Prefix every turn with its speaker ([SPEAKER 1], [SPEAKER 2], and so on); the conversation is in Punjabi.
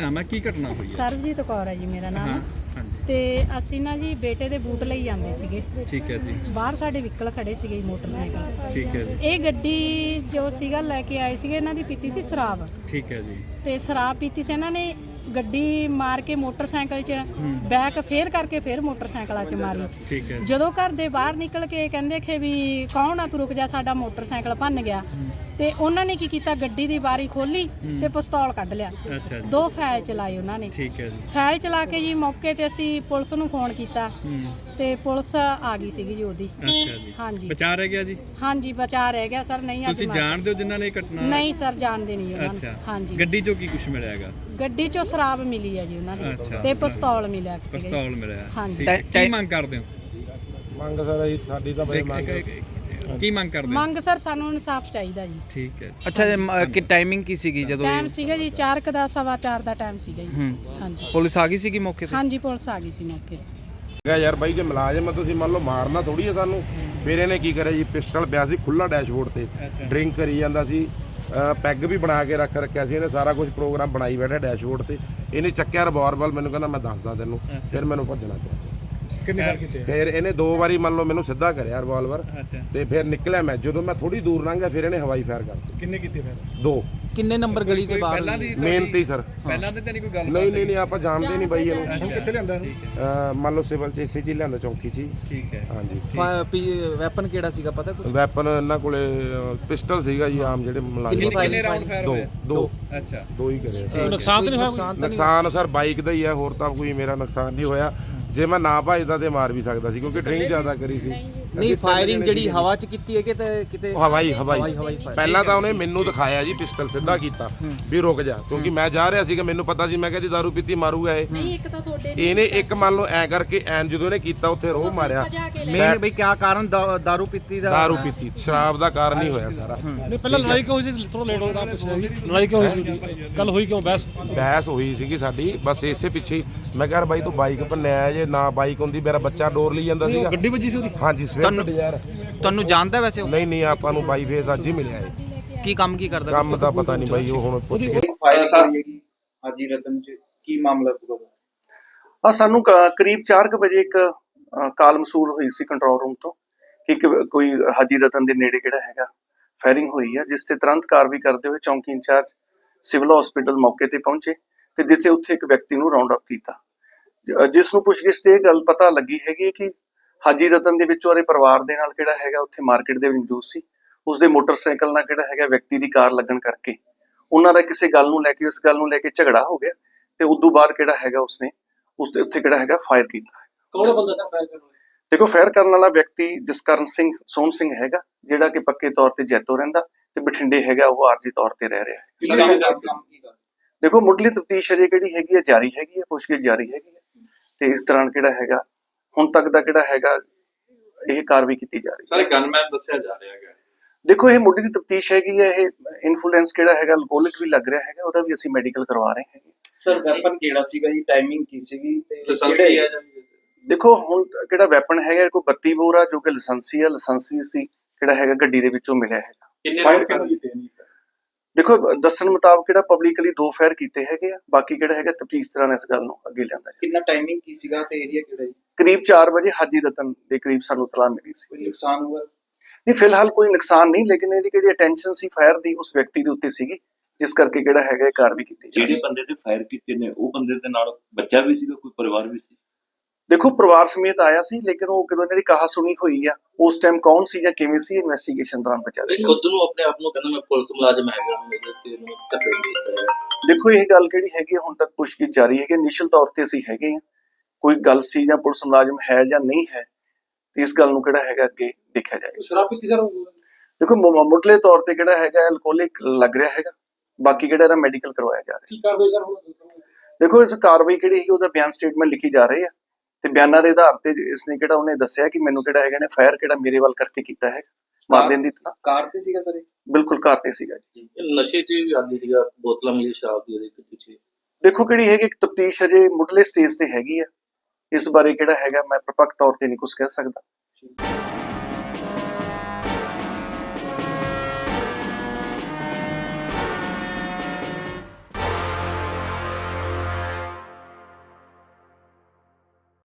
[SPEAKER 1] ਨਾਮ ਹੈ, ਕੀ ਘਟਨਾ ਹੋਈ ਹੈ?
[SPEAKER 2] ਸਰਬਜੀਤ ਕੌਰ ਹੈ ਜੀ ਮੇਰਾ ਨਾਮ। ਤੇ ਅਸੀਂ ਨਾ ਜੀ ਬੇਟੇ ਦੇ ਬੂਟ ਲਈ ਜਾਂਦੇ ਸੀਗੇ।
[SPEAKER 1] ਠੀਕ ਹੈ ਜੀ।
[SPEAKER 2] ਬਾਹਰ ਸਾਡੇ ਵਹੀਕਲ ਖੜੇ ਸੀਗੇ ਮੋਟਰਸਾਈਕਲ।
[SPEAKER 1] ਠੀਕ ਹੈ ਜੀ।
[SPEAKER 2] ਇਹ ਗੱਡੀ ਜੋ ਸੀਗਾ ਲੈ ਕੇ ਆਏ ਸੀਗੇ, ਇਹਨਾਂ ਦੀ ਪੀਤੀ ਸੀ ਸ਼ਰਾਬ।
[SPEAKER 1] ਠੀਕ ਹੈ ਜੀ।
[SPEAKER 2] ਤੇ ਸ਼ਰਾਬ ਪੀਤੀ ਸੀ ਇਹਨਾਂ ਨੇ, ਗੱਡੀ ਮਾਰ ਕੇ ਮੋਟਰਸਾਈਕਲ 'ਚ ਬੈਕ ਫੇਰ ਕਰਕੇ ਫੇਰ ਮੋਟਰਸਾਈਕਲਾਂ 'ਚ ਮਾਰੀ।
[SPEAKER 1] ਠੀਕ ਹੈ।
[SPEAKER 2] ਜਦੋਂ ਘਰ ਦੇ ਬਾਹਰ ਨਿਕਲ ਕੇ ਕਹਿੰਦੇ ਕਿ ਵੀ ਕੌਣ ਆ ਤੂੰ, ਰੁਕ ਜਾ, ਸਾਡਾ ਮੋਟਰਸਾਈਕਲ ਭੰਨ ਗਿਆ। ਤੇ ਉਹਨਾਂ ਨੇ ਕੀ ਕੀਤਾ, ਗੱਡੀ ਦੀ ਬਾਰੀ ਖੋਲੀ ਤੇ ਪਿਸਤੌਲ ਕੱਢ ਲਿਆ।
[SPEAKER 1] ਅੱਛਾ ਜੀ।
[SPEAKER 2] 2 ਫਾਇਲ ਚਲਾਏ ਉਹਨਾਂ ਨੇ।
[SPEAKER 1] ਠੀਕ ਹੈ ਜੀ।
[SPEAKER 2] ਫਾਇਲ ਚਲਾ ਕੇ ਜੀ ਮੌਕੇ ਤੇ ਅਸੀਂ ਪੁਲਿਸ ਨੂੰ ਫੋਨ ਕੀਤਾ ਤੇ ਪੁਲਿਸ ਆ ਗਈ ਸੀਗੀ ਜੀ ਉਹਦੀ।
[SPEAKER 1] ਅੱਛਾ ਜੀ।
[SPEAKER 2] ਹਾਂਜੀ।
[SPEAKER 1] ਬਚਾ ਰਹਿ ਗਿਆ ਜੀ?
[SPEAKER 2] ਹਾਂਜੀ ਬਚਾ ਰਹਿ ਗਿਆ ਸਰ। ਨਹੀਂ
[SPEAKER 1] ਤੁਸੀਂ ਜਾਣਦੇ ਹੋ ਜਿਨ੍ਹਾਂ ਨੇ ਘਟਨਾ?
[SPEAKER 2] ਨਹੀਂ ਸਰ, ਜਾਣਦੇ ਨਹੀਂ ਉਹਨਾਂ ਨੂੰ।
[SPEAKER 1] ਅੱਛਾ।
[SPEAKER 2] ਹਾਂਜੀ।
[SPEAKER 1] ਗੱਡੀ ਚੋਂ ਕੀ ਕੁਝ ਮਿਲਿਆ ਹੈਗਾ?
[SPEAKER 2] ਗੱਡੀ ਚੋਂ ਸ਼ਰਾਬ ਮਿਲੀ ਹੈ ਜੀ ਉਹਨਾਂ ਦੀ ਤੇ ਪਿਸਤੌਲ ਮਿਲਿਆ।
[SPEAKER 1] ਪਿਸਤੌਲ ਮਿਲਿਆ।
[SPEAKER 2] ਹਾਂਜੀ।
[SPEAKER 1] ਕੀ ਮੰਗ ਕਰਦੇ ਹੋ?
[SPEAKER 3] ਮੰਗ ਸਰ ਸਾਡੀ ਤਾਂ ਬਈ ਮੰਗ
[SPEAKER 1] ਕੀ ਮੰਗ ਕਰਦੇ ਹੋ?
[SPEAKER 2] ਮੰਗ ਸਰ ਸਾਨੂੰ ਇਨਸਾਫ ਚਾਹੀਦਾ ਜੀ।
[SPEAKER 1] ਠੀਕ ਹੈ।
[SPEAKER 4] ਅੱਛਾ, ਕਿ ਟਾਈਮਿੰਗ ਕੀ ਸੀਗੀ ਜਦੋਂ
[SPEAKER 2] ਟਾਈਮ ਸੀਗਾ ਜੀ 4 ਦਾ 4:15 ਦਾ ਟਾਈਮ ਸੀਗਾ ਜੀ। ਹਾਂਜੀ।
[SPEAKER 4] ਪੁਲਿਸ ਆ ਗਈ ਸੀਗੀ ਮੌਕੇ ਤੇ?
[SPEAKER 2] ਹਾਂਜੀ ਪੁਲਿਸ ਆ ਗਈ ਸੀ ਮੌਕੇ ਤੇ।
[SPEAKER 3] ਯਾਰ ਬਾਈ ਜੇ ਮੁਲਾਜ਼ਮ ਆ ਤੁਸੀਂ ਮੰਨ ਲਓ ਮਾਰਨਾ ਥੋੜੀ ਹੈ ਸਾਨੂੰ। ਫਿਰ ਇਹਨੇ ਕੀ ਕਰਿਆ ਜੀ, ਪਿਸਟਲ ਪਿਆ ਸੀ ਖੁੱਲਾ ਡੈਸ਼ਬੋਰਡ ਤੇ, ਡਰਿੰਕ ਕਰੀ ਜਾਂਦਾ ਸੀ, ਪੈਗ ਵੀ ਬਣਾ ਕੇ ਰੱਖਿਆ ਸੀ ਇਹਨੇ, ਸਾਰਾ ਕੁਝ ਪ੍ਰੋਗਰਾਮ ਬਣਾਈ ਬੈਠਾ ਡੈਸ਼ਬੋਰਡ ਤੇ। ਇਹਨੇ ਚੱਕਿਆ ਰਿਵਾਲਵਰ, ਮੈਨੂੰ ਕਹਿੰਦਾ ਮੈਂ ਦੱਸਦਾ ਤੈਨੂੰ। ਫਿਰ ਮੈਨੂੰ ਭੱਜਣਾ ਪਿਆ।
[SPEAKER 1] ਕਿੰਨੇ ਵਾਰ ਕੀਤੇ?
[SPEAKER 3] ਫਿਰ ਇਹਨੇ 2 ਵਾਰੀ ਮੰਨ ਲਓ ਮੈਨੂੰ ਸਿੱਧਾ ਕਰਿਆ ਰਿਵਾਲਵਰ। ਤੇ ਫਿਰ ਨਿਕਲਿਆ ਮੈਂ, ਜਦੋਂ ਮੈਂ ਥੋੜੀ ਦੂਰ ਲੰਘਿਆ ਫਿਰ ਇਹਨੇ ਹਵਾਈ ਫਾਇਰ ਕਰਤੀ।
[SPEAKER 1] ਕਿੰਨੇ ਕੀਤੇ ਫਿਰ?
[SPEAKER 3] 2।
[SPEAKER 4] ਕਿੰਨੇ ਨੰਬਰ ਗਲੀ ਦੇ ਬਾਹਰ?
[SPEAKER 3] ਮੇਨ ਤੇ ਸਰ।
[SPEAKER 1] ਪਹਿਲਾਂ ਤੇ ਨਹੀਂ ਕੋਈ ਗੱਲ?
[SPEAKER 3] ਨਹੀਂ ਆਪਾਂ ਜਾਣਦੇ ਨਹੀਂ ਬਾਈ ਇਹਨੂੰ।
[SPEAKER 1] ਹੁਣ ਕਿੱਥੇ ਲਿਆਂਦਾ ਇਹਨੂੰ?
[SPEAKER 3] ਮੰਨ ਲਓ ਸਿਵਲ ਚ ਇਸੇ ਚ ਲਿਆਂਦਾ, ਚੌਂਕੀ ਚ।
[SPEAKER 1] ਠੀਕ ਹੈ।
[SPEAKER 3] ਹਾਂਜੀ।
[SPEAKER 4] ਵੈਪਨ ਕਿਹੜਾ ਸੀਗਾ ਪਤਾ ਕੁਝ?
[SPEAKER 3] ਵੈਪਨ ਇਹਨਾਂ ਕੋਲੇ ਪਿਸਟਲ ਸੀਗਾ ਜੀ, ਆਮ ਜਿਹੜੇ ਮੁਲਾਜ਼ਮ।
[SPEAKER 1] ਕਿੰਨੇ ਰਾਉਂਡ ਫਾਇਰ ਹੋਏ?
[SPEAKER 3] 2।
[SPEAKER 1] ਅੱਛਾ।
[SPEAKER 3] 2 ਹੀ ਕਰੇ।
[SPEAKER 4] ਨੁਕਸਾਨ ਤਾਂ ਨਹੀਂ ਹੋਇਆ?
[SPEAKER 3] ਨੁਕਸਾਨ ਸਰ ਬਾਈਕ ਦਾ ਹੀ ਹੈ, ਹੋਰ ਤਾਂ ਕੋਈ ਮੇਰਾ ਨੁਕਸਾਨ ਨਹੀਂ ਹੋਇਆ। ਜੇ ਮੈਂ ਨਾ ਭੱਜਦਾ ਤੇ ਮਾਰ ਵੀ ਸਕਦਾ ਸੀ, ਕਿਉਂਕਿ ਡਰਿੰਕ ਜ਼ਿਆਦਾ ਕਰੀ ਸੀ।
[SPEAKER 4] ਨਹੀਂ, ਫਾਇਰਿੰਗ ਜਿਹੜੀ ਹਵਾ 'ਚ ਕੀਤੀ ਹੈ ਕਿ ਕਿਤੇ?
[SPEAKER 3] ਹਵਾਈ ਪਹਿਲਾਂ ਤਾਂ ਉਹਨੇ ਮੈਨੂੰ ਦਿਖਾਇਆ ਜੀ, ਪਿਸਟਲ ਸਿੱਧਾ ਕੀਤਾ ਵੀ ਰੁਕ ਜਾ, ਕਿਉਂਕਿ ਮੈਂ ਜਾ ਰਿਹਾ ਸੀਗਾ, ਮੈਨੂੰ ਪਤਾ ਸੀ, ਮੈਂ ਕਿਹਾ ਜੀ ਦਾਰੂ ਪੀਤੀ ਮਾਰੂਗਾ ਇਹ।
[SPEAKER 2] ਨਹੀਂ ਇੱਕ ਤਾਂ ਤੁਹਾਡੇ
[SPEAKER 3] ਇਹਨੇ ਇੱਕ ਮੰਨ ਲਓ ਐ ਕਰਕੇ ਐਨ ਜਦੋਂ ਇਹਨੇ ਕੀਤਾ ਉੱਥੇ ਰੋਹ ਮਾਰਿਆ।
[SPEAKER 4] ਮੇਨ ਬਈ ਕਿਆ ਕਾਰਨ? ਦਾਰੂ ਪੀਤੀ ਦਾ?
[SPEAKER 3] ਦਾਰੂ ਪੀਤੀ, ਸ਼ਰਾਬ ਦਾ ਕਾਰਨ ਹੀ ਹੋਇਆ ਸਾਰਾ।
[SPEAKER 5] ਨਹੀਂ ਪਹਿਲਾਂ ਲੜਾਈ ਕਿਉਂ ਹੋਈ ਸੀ? ਥੋੜਾ ਲੇਟ ਹੋ ਗਿਆ। ਲੜਾਈ ਕਿਉਂ ਹੋਈ ਸੀ? ਗੱਲ ਹੋਈ ਕਿਉਂ?
[SPEAKER 3] ਬਹਿਸ ਹੋਈ ਸੀਗੀ ਸਾਡੀ, ਬਸ ਇਸੇ ਪਿੱਛੇ ਹੀ। ਮੈਂ ਕਿਹਾ ਬਾਈ ਤੂੰ ਬਾਈਕ ਭੰਨਿਆ, ਜੇ ਨਾ ਬਾਈਕ ਹੁੰਦੀ ਮੇਰਾ ਬੱਚਾ ਡੋਰ ਲਈ ਜਾਂਦਾ ਸੀਗਾ।
[SPEAKER 5] ਗੱਡੀ ਵੱਜੀ ਸੀ ਉਹਦੀ?
[SPEAKER 3] ਹਾਂਜੀ ਸਵਿਫਟ ਡਿਜ਼ਾਇਰ।
[SPEAKER 4] ਤੁਹਾਨੂੰ ਜਾਣਦਾ ਵੈਸੇ ਉਹ?
[SPEAKER 3] ਨਹੀਂ ਆਪਾਂ ਨੂੰ ਬਾਈ ਫੇਸ ਅੱਜ ਹੀ ਮਿਲਿਆ ਹੈ।
[SPEAKER 4] ਕੀ ਕੰਮ ਕੀ ਕਰਦਾ?
[SPEAKER 3] ਕੰਮ ਦਾ ਪਤਾ ਨਹੀਂ ਬਾਈ, ਉਹ ਹੁਣ ਪੁੱਛ ਕੇ।
[SPEAKER 6] ਹਾਜੀ ਰਤਨ ਚ ਕੀ ਮਾਮਲਾ ਪੂਰਾ? ਸਾਨੂੰ ਕਰੀਬ 4 ਵਜੇ ਇੱਕ ਕਾਲ ਮਸੂਲ ਹੋਈ ਸੀ ਕੰਟਰੋਲ ਰੂਮ ਤੋਂ ਕਿ ਕੋਈ ਹਾਜੀ ਰਤਨ ਦੇ ਨੇੜੇ ਜਿਹੜਾ ਹੈਗਾ ਫਾਇਰਿੰਗ ਹੋਈ ਹੈ, ਜਿਸ ਤੇ ਤੁਰੰਤ ਕਾਰਵਾਈ ਕਰਦੇ ਹੋਏ ਚੌਂਕੀ ਇੰਚਾਰਜ ਸਿਵਲ ਹਸਪੀਟਲ ਮੌਕੇ ਤੇ ਪਹੁੰਚੇ ਤੇ ਜਿੱਥੇ ਉੱਥੇ ਇੱਕ ਵਿਅਕਤੀ ਨੂੰ ਰਾਉਂਡ ਅਪ ਕੀਤਾ, ਜਿਸ ਨੂੰ ਪੁੱਛਗਿੱਛ ਤੇ ਇਹ ਗੱਲ ਪਤਾ ਲੱਗੀ ਹੈਗੀ ਕਿ ਹਾਜੀ ਰਤਨ ਦੇ ਵਿੱਚ ਉਹਦੇ ਪਰਿਵਾਰ ਦੇ ਨਾਲ ਕਿਹੜਾ ਹੈਗਾ ਉੱਥੇ ਮਾਰਕੀਟ ਦੇ ਵਿੱਚ ਮੌਜੂਦ ਸੀ। ਉਸਦੇ ਮੋਟਰਸਾਈਕਲ ਨਾਲ ਕਿਹੜਾ ਹੈਗਾ ਵਿਅਕਤੀ ਦੀ ਕਾਰ ਲੱਗਣ ਕਰਕੇ ਉਹਨਾਂ ਦਾ ਕਿਸੇ ਗੱਲ ਨੂੰ ਲੈ ਕੇ, ਉਸ ਗੱਲ ਨੂੰ ਲੈ ਕੇ ਝਗੜਾ ਹੋ ਗਿਆ ਤੇ ਉਦੋਂ ਬਾਅਦ ਕਿਹੜਾ ਹੈਗਾ ਉਸਨੇ ਉਸਦੇ ਉੱਥੇ ਕਿਹੜਾ ਹੈਗਾ ਫਾਇਰ ਕੀਤਾ।
[SPEAKER 5] ਕੌਣ ਬੰਦਾ ਸੀ ਫਾਇਰ ਕਰਨ ਵਾਲਾ?
[SPEAKER 6] ਦੇਖੋ ਫਾਇਰ ਕਰਨ ਵਾਲਾ ਵਿਅਕਤੀ ਜਸਕਰਨ ਸਿੰਘ ਸੋਹਣ ਸਿੰਘ ਹੈਗਾ, ਜਿਹੜਾ ਕਿ ਪੱਕੇ ਤੌਰ ਤੇ ਜੈਤੋ ਰਹਿੰਦਾ ਤੇ ਬਠਿੰਡੇ ਹੈਗਾ ਉਹ ਆਰਜੀ ਤੌਰ ਤੇ ਰਹਿ ਰਿਹਾ ਹੈ। ਦੇਖੋ ਮੁੱਢਲੀ ਤਫਤੀਸ਼ ਅਜੇ ਕਿਹੜੀ ਹੈਗੀ ਹੈ ਜਾਰੀ ਹੈਗੀ ਹੈ, ਪੁੱਛਗਿੱਛ ਜਾਰੀ ਹੈਗੀ ਹੈ ਤੇ ਇਸ ਦੌਰਾਨ ਕਿਹੜਾ ਹੈਗਾ ਹੁਣ ਤੱਕ ਦਾ ਕਿਹੜਾ ਹੈਗਾ ਇਹ ਕਾਰਵਾਈ ਕੀਤੀ ਜਾ ਰਹੀ ਹੈ।
[SPEAKER 7] ਸਾਰੇ ਗਨਮੈਨ ਦੱਸਿਆ ਜਾ ਰਿਹਾ ਹੈਗਾ।
[SPEAKER 6] ਦੇਖੋ ਇਹ ਮੁੱਢਲੀ ਤਫਤੀਸ਼ ਹੈਗੀ ਹੈ, ਇਹ ਇਨਫਲੂਐਂਸ ਕਿਹੜਾ ਹੈਗਾ ਅਲਕੋਹਲਿਕ ਵੀ ਲੱਗ ਰਿਹਾ ਹੈਗਾ, ਉਹਦਾ ਵੀ ਅਸੀਂ ਮੈਡੀਕਲ ਕਰਵਾ ਰਹੇ ਹੈਗੇ।
[SPEAKER 7] ਸਰ ਵੈਪਨ ਕਿਹੜਾ ਸੀਗਾ ਜੀ? ਟਾਈਮਿੰਗ ਕੀ ਸੀਗੀ ਤੇ ਲਾਇਸੈਂਸੀ ਹੈ?
[SPEAKER 6] ਦੇਖੋ ਹੁਣ ਕਿਹੜਾ ਵੈਪਨ ਹੈਗਾ ਕੋਈ 32 ਬੋਰ ਆ ਜੋ ਕਿ ਲਾਇਸੈਂਸੀ ਹੈ, ਲਾਇਸੈਂਸੀ ਸੀ ਕਿਹੜਾ ਹੈਗਾ ਗੱਡੀ ਦੇ ਵਿੱਚੋਂ ਮਿਲਿਆ ਹੈਗਾ।
[SPEAKER 7] ਕਿੰਨੇ ਫਾਇਰ ਕੀਤੇ ਨੇ?
[SPEAKER 6] ਦੇਖੋ ਦੱਸਣ ਮੁਤਾਬਕ ਕਿਹੜਾ ਪਬਲਿਕਲੀ 2 ਫਾਇਰ ਕੀਤੇ ਹੈਗੇ ਆ, ਬਾਕੀ ਕਿਹੜਾ ਹੈਗਾ ਤਫਤੀਸ਼ ਤਰ੍ਹਾਂ ਇਸ ਗੱਲ ਨੂੰ ਅੱਗੇ ਲਿਆਂਦਾ।
[SPEAKER 7] ਕਿੰਨਾ ਟਾਈਮਿੰਗ ਕੀ ਸੀਗਾ ਤੇ ਏਰੀਆ ਕਿਹੜਾ ਜੀ?
[SPEAKER 6] ਕਰੀਬ 4 ਵਜੇ ਹਾਜੀ ਰਤਨ ਦੇ ਕਰੀਬ ਸਾਨੂੰ ਇਤਲਾਹ ਮਿਲੀ ਸੀ।
[SPEAKER 7] ਕੋਈ ਨੁਕਸਾਨ ਹੋਇਆ?
[SPEAKER 6] ਨਹੀਂ ਫਿਲਹਾਲ ਕੋਈ ਨੁਕਸਾਨ ਨਹੀਂ, ਲੇਕਿਨ ਇਹਦੀ ਜਿਹੜੀ ਅਟੈਂਸ਼ਨ ਸੀ ਫਾਇਰ ਦੀ ਉਸ ਵਿਅਕਤੀ ਦੇ ਉੱਤੇ ਸੀਗੀ, ਜਿਸ ਕਰਕੇ ਕਿਹੜਾ ਹੈਗਾ ਇਹ ਕਾਰਵਾਈ ਕੀਤੀ।
[SPEAKER 8] ਜਿਹੜੇ ਬੰਦੇ ਤੇ ਫਾਇਰ ਕੀਤੇ ਨੇ ਉਹ ਬੰਦੇ ਦੇ ਨਾਲ ਬੱਚਾ ਵੀ ਸੀਗਾ, ਕੋਈ ਪਰਿਵਾਰ ਵੀ ਸੀ?
[SPEAKER 6] ਦੇਖੋ ਪਰਿਵਾਰ ਸਮੇਤ ਆਇਆ ਸੀ, ਲੇਕਿਨ ਉਹ ਕਦੋਂ ਜਿਹੜੀ ਕਹਾ ਸੁਣੀ ਹੋਈ ਆ ਉਸ ਟਾਈਮ ਕੌਣ ਸੀ ਜਾਂ ਕਿਵੇਂ ਸੀ ਇਨਵੈਸਟੀਗੇਸ਼ਨ ਦੌਰਾਨ ਪਤਾ ਲੱਗੇਗਾ।
[SPEAKER 8] ਖੁਦ ਨੂੰ ਆਪਣੇ ਆਪ ਨੂੰ ਕਹਿੰਦਾ ਮੈਂ ਪੁਲਿਸ ਮੁਲਾਜ਼ਮ ਹੈਗਾ, ਮੇਰੇ ਤੇ ਨੂੰ ਧੱਕੇ ਦਿੱਤਾ ਹੈ।
[SPEAKER 6] ਦੇਖੋ ਇਹ ਗੱਲ ਕਿਹੜੀ ਹੈਗੀ ਹੁਣ ਤੱਕ ਪੁੱਛਗਿੱਛ ਜਾਰੀ ਹੈ ਕਿ ਇਨੀਸ਼ੀਅਲ ਤੌਰ ਤੇ ਅਸੀਂ ਹੈਗੇ ਆ, ਕੋਈ ਗੱਲ ਸੀ ਜਾਂ ਪੁਲਿਸ ਮੁਲਾਜ਼ਮ ਹੈ ਜਾਂ ਨਹੀਂ ਹੈ, ਇਸ ਗੱਲ ਨੂੰ ਕਿਹੜਾ ਹੈਗਾ ਅੱਗੇ ਦੇਖਿਆ ਜਾਏਗਾ।
[SPEAKER 5] ਸ਼ਰਾਬ ਪੀਤੀ ਸਰ?
[SPEAKER 6] ਦੇਖੋ ਮੁੱਢਲੇ ਤੌਰ ਤੇ ਕਿਹੜਾ ਹੈਗਾ ਅਲਕੋਹਲਿਕ ਲੱਗ ਰਿਹਾ ਹੈਗਾ, ਬਾਕੀ ਕਿਹੜਾ ਇਹਦਾ ਮੈਡੀਕਲ ਕਰਵਾਇਆ ਜਾ ਰਿਹਾ।
[SPEAKER 5] ਕੀ ਕਾਰਵਾਈ ਸਰ ਹੁਣ?
[SPEAKER 6] ਦੇਖੋ ਇਸ ਕਾਰਵਾਈ ਕਿਹੜੀ ਹੈਗੀ ਉਹਦਾ ਬਿਆਨ ਸਟੇਟਮੈਂਟ ਲਿਖੀ ਜਾ ਰਹੀ ਹੈ ਤੇ ਬਿਆਨਾਂ ਦੇ ਆਧਾਰ ਤੇ ਇਸਨੇ ਕਿਹੜਾ ਉਹਨੇ ਦੱਸਿਆ ਕਿ ਮੈਨੂੰ ਕਿਹੜਾ ਹੈਗਾ ਨੇ ਫਾਇਰ ਕਿਹੜਾ ਮੇਰੇ ਵੱਲ ਕਰਕੇ ਕੀਤਾ ਹੈ ਮਾਰ ਦੇਣ ਦੀ ਤਰ੍ਹਾਂ।
[SPEAKER 7] ਕਾਰ ਤੇ ਸੀਗਾ ਸਰ?
[SPEAKER 6] ਬਿਲਕੁਲ ਕਾਰ ਤੇ ਸੀਗਾ ਜੀ।
[SPEAKER 8] ਨਸ਼ੇ 'ਚ ਵੀ ਆਦੀ ਸੀਗਾ, ਬੋਤਲਾਂ ਮਿਲੀ ਸ਼ਰਾਬ ਦੀ ਉਹਦੇ ਪਿੱਛੇ।
[SPEAKER 6] ਦੇਖੋ ਕਿਹੜੀ ਹੈਗੀ ਤਫਤੀਸ਼ ਅਜੇ ਮੁੱਢਲੇ ਸਟੇਜ ਤੇ ਹੈਗੀ ਆ, ਇਸ ਬਾਰੇ ਕਿਹੜਾ ਹੈਗਾ ਮੈਂ ਪ੍ਰਪੱਕ ਤੌਰ ਤੇ ਨਹੀਂ ਕੁਝ ਕਹਿ ਸਕਦਾ।